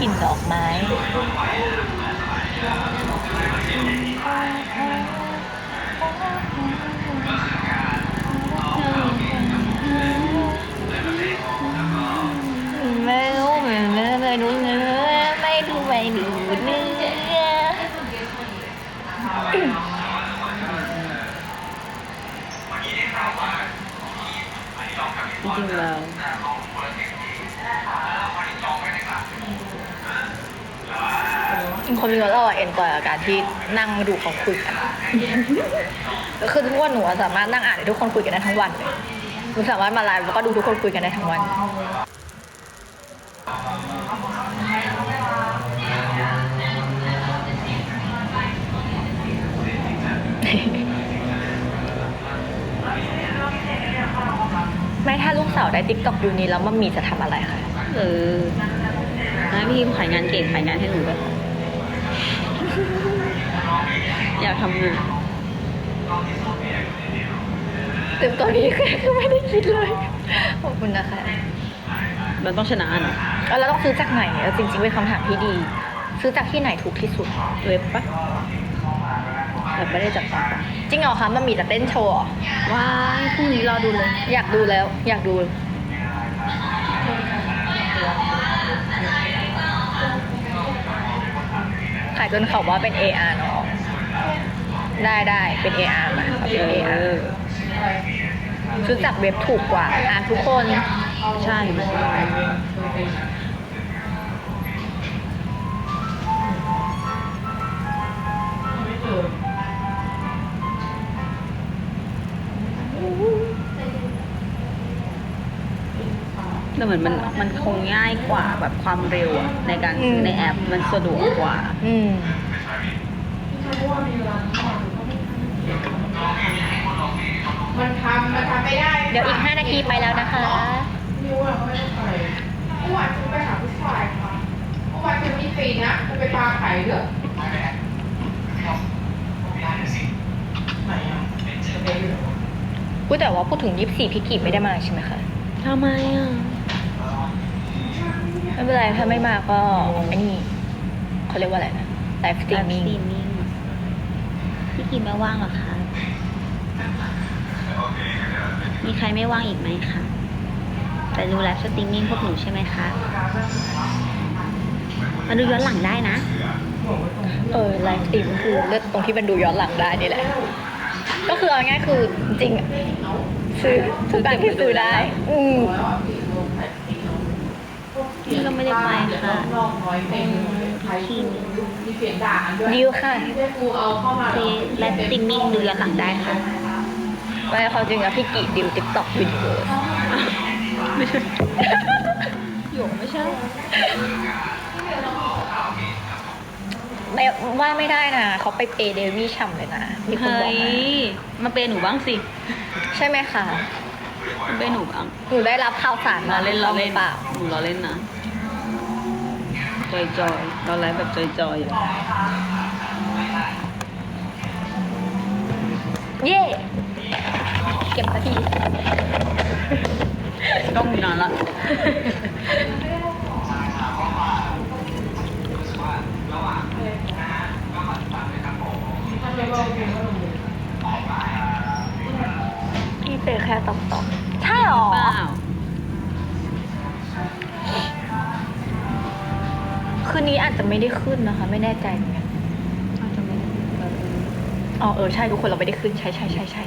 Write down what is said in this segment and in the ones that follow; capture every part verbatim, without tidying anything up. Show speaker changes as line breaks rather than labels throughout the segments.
กลิ่นดอกไม้ไม่รู้ไม่ไม่ไม่รู้เนื้อไม่ดูไม่ดูเนื้อ
จริงๆแล้ว
คนมีเราอะเอ็นจอยกับการที่นั่งดูเขาคุยกันก็คือทุกวันหนูสามารถนั่งอ่านให้ทุกคนคุยกันได้ทั้งวันเลยหนูสามารถมาไลฟ์แล้วก็ดูทุกคนคุยกันได้ทั้งวันไม่ถ้าลูกสาวได้ติ๊กต็อกอยู่นี้แล้วมัมมี่จะทำอะไรคะ
เออนะพี่ขายงานเก่งขายงานให้หนูด้วยอยากทำงาน
เต็มตอนนี้คือไม่ได้คิดเลยขอบคุณนะคะ
มันต้องชนะนะ
แล้วเราต้องซื้อจากไหนจริงๆเป็นคำถามที่ดีซื้อจากที่ไหนถูกที่สุด
เว็บปะแบบไม่ได้จับปาก
จริงเหรอคะมันมีแต่เต้นโชว์
ว้ายพรุ่งนี้รอดูเลย
อยากดูแล้วอยากดูขายจนเขาว่าเป็น เอ อาร์ เนาะได้ได้เป็น เอ อาร์ มาเป็น เอ อาร์ ซื้อจากเว็บถูกกว่าอ่านทุกคน
ใช่แต่เหมือนมันมันคงง่ายกว่าแบบความเร็วอะในการซื้อในแอปมันสะดวกกว่าอืม
มันทำมันทำไม่ได้
เดี๋ยวอีกห้านาทีไปแล้วนะคะ
นิวอะเขาไม่ได้ไปเมื่อวานฉันไปหาผู้ชายค่ะเมื่อวานฉันมีซีนนะจะไปพาไข่เด้อ
พูดแต่ว่าพูดถึงยี่สิบสี่พี่กีบไม่ได้มาใช่ไหมคะ
ทำไมอ่ะ
ไม่เป็นไรถ้าไม่มาก็อันนี้เขาเรียกว่าอะไรนะไลฟ์สตรีมมิ่ง
พี่กีไม่ว่างหรอคะมีใครไม่ว่างอีกไหมคะแต่ดูไลฟ์สตรีมมิ่งพวกหนูใช่ไหมคะมาดูย้อนหลังได้นะ
เออไลฟ์สตรีมคือเลือกตรงที่มันดูย้อนหลังได้นี่แหละก็คือเอาง่ายคือจริงซื้อทุกการที่ซื้อได้อืม
นี่ก็ไม่ได้ไปค่ะทีม
ดิวค่ะ
เฟซและสตรีมมิ่งดูย้อนหลังได้ค่ะ
ไม่เขาจริงอะพี่กีดิวติ๊กต็อกวิดีโอ
ไม่ใช่หยกไม่ใช่
ไม่ว่าไม่ได้นะเขาไปเปย์เดวี่ช่ำเลยนะมีคนบอก
มาเปย์หนูบ้างสิ
ใช่ไหมคะ
มาเปย์หนูบ้าง
หนูได้รับข่าวสารมา
เล่นเราเล่น
เปล่า
หนูเราเล่นนะจอยจอยเราไลฟ์แบบจอยจอยอยู่
เย่เก็บสักที
ต้องมีนานละ
พี่เตะแค่ตอบตอบใช่หรอ
เปล่า
คืนนี้อาจจะไม่ได้ขึ้นนะคะไม่แน่ใจเหมือนกัน
อาจจะไม่
อ๋อเออใช่ทุกคนเราไม่ได้ขึ้นใช่ใช่ใช่ใช่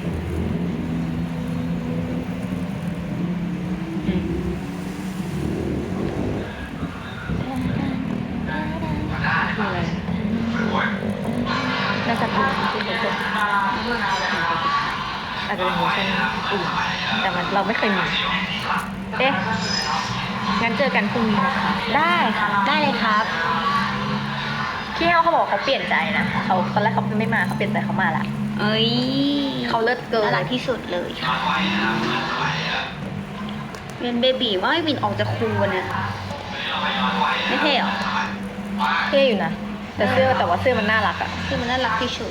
น่าจะเป็นที่เขาส่งอาจจะเป็นเวอร์ชันอื่นแต่มันเราไม่เคยมีเอ๊ะงั้นเจอกันพรุ่งนี้นะคะได้ค่ะ
ได้เลยครับ
พี่เขาเขาบอกเขาเปลี่ยนใจนะเขาตอนแรกเขาไม่มาเขาเปลี่ยนใจเขามาละ
เอ้ย
เขาเลิศเกิน
น่ารักที่สุดเลยค่ะเป็นเบบีว่าให้วินออกจากครูเนี่ยไม่เท่หรอ
เท่อยู่นะแต่เสื้อแต่ว่าเสื้อมันน่ารักอะ
เสื้อมันน่ารักที่สุด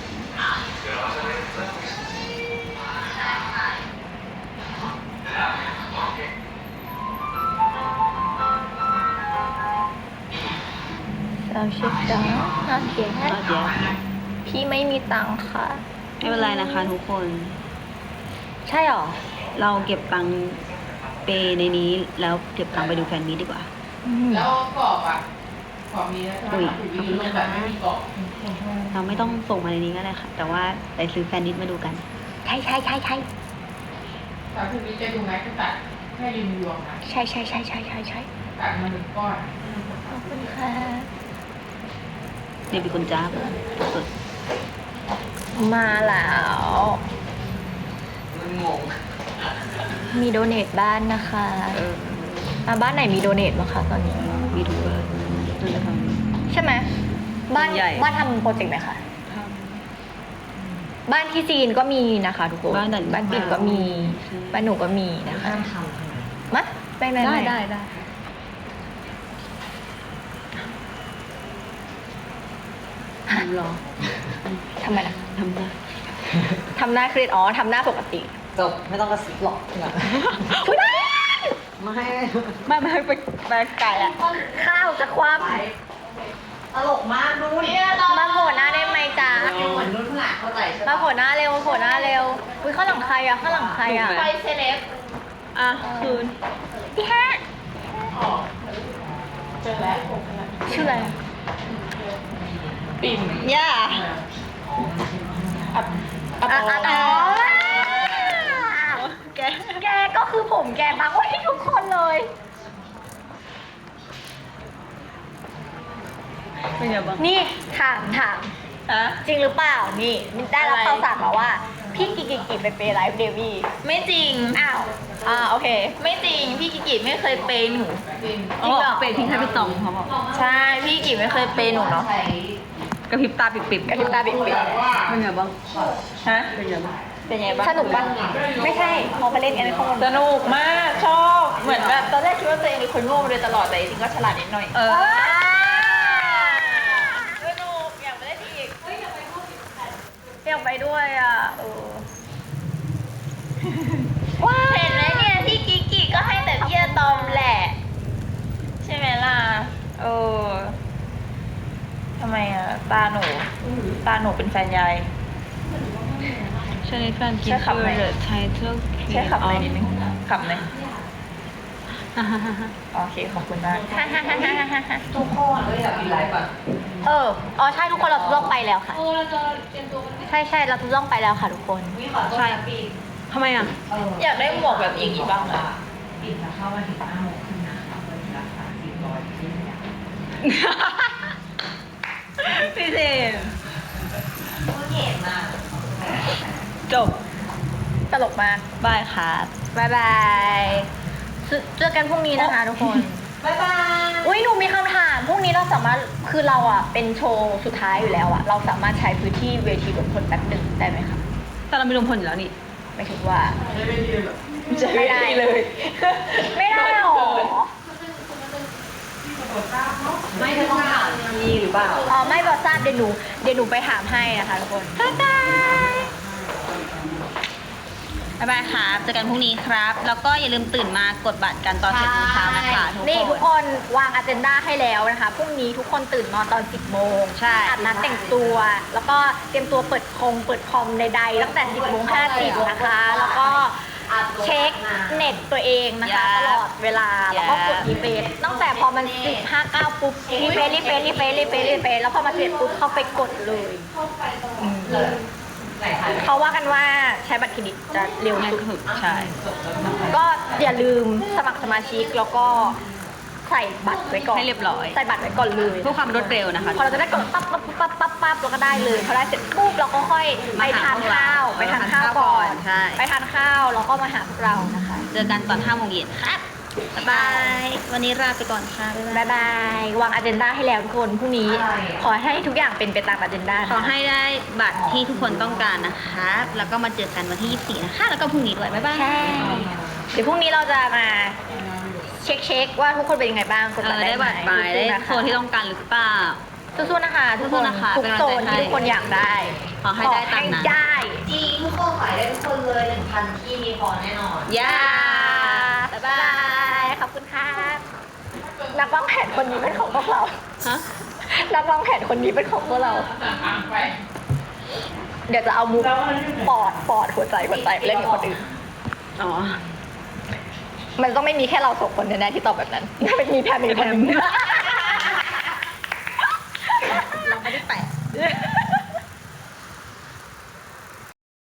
เอาเช็คจ้าน่าเกลียด
ก็เดี๋ยว
พี่ไม่มีตังค่ะ
ไม่เป็นไรนะคะทุกคน
ใช่หรอ
เราเก็บตังค์เปในนี้แล้วเก็บตังค์ไปดูแฟนมีตดีกว่า
อืม
แล้วกรอบอ่ะกรอบมีนะ
อุ้ย
มีลงแบบไม่มีกรอบ
เราไม่ต้องส่งมาในนี้ก็ได้ค่ะ แต่ว่าไปซื้อแฟนมิตมาดูกัน
ใช่ใช่ใช่ใช่
แต่คุณมีจะดูไหมก็ตัดแค่ริมยวงนะ
ใช่ใช่ใช่ใช่ใช่ใช่
ตัดมาหนึ่งก้อน
ขอบคุณค่ะ
เนี่ยเป็นคนจ้าบสุด
มาแล้ว
มันงง
มีโดเนทบ้านนะคะ
เออ
อ่ะบ้านไหนมีโดเนทบ้างคะตอนนี้
มีทุกเบอร์นั่นแหละค่ะ
ใช่ไหมบ้าน
ใหญ่
บ้านทำโปรเจกต์ไหมคะบ้านที่จีนก็มีนะคะทุกคน
บ้านไหน
บ้านปิ่นก็มี
ใช่
บ้านหนูก็มีนะคะ
ห้ามทำทำไม
มะไม่ไม่
ได้
ไม่
ได้ได้
ฮะ
รอ
ทำไมนะ
ทำได้
ทำหน้าเครียดอ๋อทำหน้าปกติ
จบไม่ต้องกระซิบหรอกนะ
ไม่ได้
ไม่
ไม่ไม่ไปไปไกลอ่ะ
ข้าวจะคว่
ตลกมากนู่น
ำมาโผล่หน้าได้ไหมจ๊ะ
เหมือนนุ่นขนาดเข้าใจใช่
มา
ปะ
โผล่หน้าเร็วโผล่หน้าเร็วอุ้ยข้างหลังใครอะข้างหลังใครอะ
ถูกไหม
ไฟเซเลบ
อ่ะคืน
พี่ฮะ
อ๋อเจอแล้ว
ชื่ออะไรอะ
ปิ่น
ย่า
อับ
อ่ะอ่ะอ๋อ
แก
แกก็คือผมแกบังไว้ให้ทุกคนเลย
เป็นไงบ้าง
นี่ถามถาม
ฮะ
จริงหรือเปล่านี่ได้รับ
อะไร
ข่าวสารมาว่า พี่กิกิกิไปเปย์ไลฟ์เดวี่
ไม่จริง
อ้าวอ่าโอเค
ไม่จริง พี่กิกิไม่เคยเปย์หนู
ปิ่น
เขาบอกเป็นทิ้งให้ไปตองเขาบอก
ใช่ พี่กิกิไม่เคยเปย์หนูเนาะ
กระพริบตาปิบๆ
กระพริบตาปิบ
แบบว่า
เป็นไงบ้างฮะเป็นไงบ้าง
เป็นไงบ้าง
สนุกปะไม่ใช่พอไปเล่นกันในข้างบน
สนุกมาก ชอบ เหมือนแบบตอนแรกคิดว่าตัวเองเป็นคนโง่มาโดยตลอดแต่จริงๆก็ฉลาดนิดหน่อย
เออ
สนุก อยากไปเล่นอีก
อยากไปด้วยอ่ะเออ
ว้าเห็นไหมเนี่ยพี่กิกิก็ให้แต่พี่อะตอมแหละ ใช่ไหมล่ะ เออทำไมอ่ะ ตาหนู ตาหนูเป็นแฟนยาย
ใช่แฟนกิ
ใช่
น
คำไหน
เดอะไทเทิล
ใช่ขับในอยนิดนึงขับในอยโอเค ขอบคุณมาก
ทุกข้อเลยอยากปิดไลฟ์ป่ะ
เอออ๋อใช่ทุกคนเราต้องไปแล้วค่ะใช่ใช่เราต้องไปแล้วค่ะทุกคน
วิขอโทษนะปิด
ทำไมอ่ะ
เออ
อยากได้หมวกแบบอย่างนี้บ้างอะ
ปิดจะเข้ามาถึงห้าโมงครึ่งนะคะเปิดราคาสี่ร้อยที่เนี่ย
พี่เจม
ก็เห็นอ่ะ
จบ
ตลกมาก
บายครับ
บายบายเจอกันพรุ่งนี้นะคะทุกคน
บ๊ายบาย
อุ้ยหนูมีคำถามพรุ่งนี้เราสามารถคือเราอ่ะเป็นโชว์สุดท้ายอยู่แล้วอ่ะเราสามารถใช้พื้นที่เวทีรวมพลแป๊บหนึ่งได้ไหมคะ
แต่เรามีรวมพลอยู่แล้วนี่
ไม่ถึงว่า
ไม่
ไม่ได้
ได้เลย
ไม่ได้หรอ
ไม่เธอต้องถามมีหรือเปล่า
อ๋อไม่บอกทราบเดี๋ยวหนูเดี๋ยวหนูไปถามให้นะคะทุกคนบ๊ายบาย
บ๊ายบายครับเจอกันพรุ่งนี้ครับ แล้วก็อย่าลืมตื่นมากดบัตรกันตอนเจ็ดโมงเช้านะคะทุก
นี่ทุก
ค
คน นวางอ g e n d a ให้แล้วนะคะพรุ่งนี้ทุกคนตื่นนอนตอนสิบโมง
ใช่
อาบน้ำแต่งตัว แล้วก็เตรียมตัวเปิดคงเปิดคอมใดๆตั้งแต่สิบโมงห้าสิบนะคะ แล้วก็เช็คเน็ตตัวเองนะคะตลอดเวลาแล้วก็กดรีเฟซตั้งแต่พอมันสิบห้าเก้าปุ๊บรีเฟซรีเฟซรีเฟซรีเฟซรีเฟซแล้วพอมาเสร็จปุ๊บเข้าไปกดเลย
ไหนถ่าย
เขาว่ากันว่าใช้บัตรเครดิตจะเร็ว
ง่าย
สุด
สุดใช่
ก็อย่าลืมสมัครสมาชิกแล้วก็ใส่บัตรไว้ก่อน
ให้เรียบร้อย
ใส่บัตรไว้ก่อนเลย
เพื่อความรวดเร็วนะคะ
พอเราจะได้กดปั๊บปั๊บปั๊บปั๊บปั๊บเราก็ได้เลยพอได้เสร็จปุ๊บเราก็ค่อยไปทานข้าวไปทานข้าวก่อน
ใช่
ไปทานข้าวแล้วก็มาหาพวกเรานะคะ
เจอกันตอนห้าโมงเย็นครับบ๊ายบาย วันนี้ลาไปก่อนค่ะบ๊ายบาย
บายบายวางอ g e n d a ให้แล้วทุกคนพรุ่งนี้ ขอให้ทุกอย่างเป็นไปตามอ g e n d a
ขอให้ได้บัตรที่ทุกคนต้องการนะคะ แล้วก็มาเจอกันวันที่ยี่สิบสี่นะคะ แล้วก็พรุ่งนี้ด้วย บ๊ายบาย
ใช่เดี๋ยวพรุ่งนี้เราจะมาเช็คเช็คว่าทุกคนเป็นยังไงบ้างกด
เอ
บัต
อ
รได้
ได้
ไหม
บัตรไปได้โซนที่ต้องการหรือเปล่า
สู้ๆนะคะทุกคน
สู้ๆนะคะ
ทุก
เป็นกำลัง
โซ
ใจ
น
ให้
ที่ทุกคนอยากได้
ขอให้ได้ตามนั้น
ขอให้ได้
จริงทุกคนขายได้ทุกคนเลยหนึ่งพันที่มีพอแน่นอน
ย่า
บ๊ายบาย ขอบคุณค่ะนักวางแผนคนนี้เป็นของพวกเรา
ฮะ
นักวางแผนคนนี้เป็นของพวกเรา
อ่างไป
เดี๋ยวจะเอามุกปอดปอดหัวใจหัวใจไปเล่นกับคนอื่น
อ๋อ
มันต้องไม่มีแค่เราสองคนแน่ๆที่ตอบแบบนั้น มันมีแพมอีกคนนึง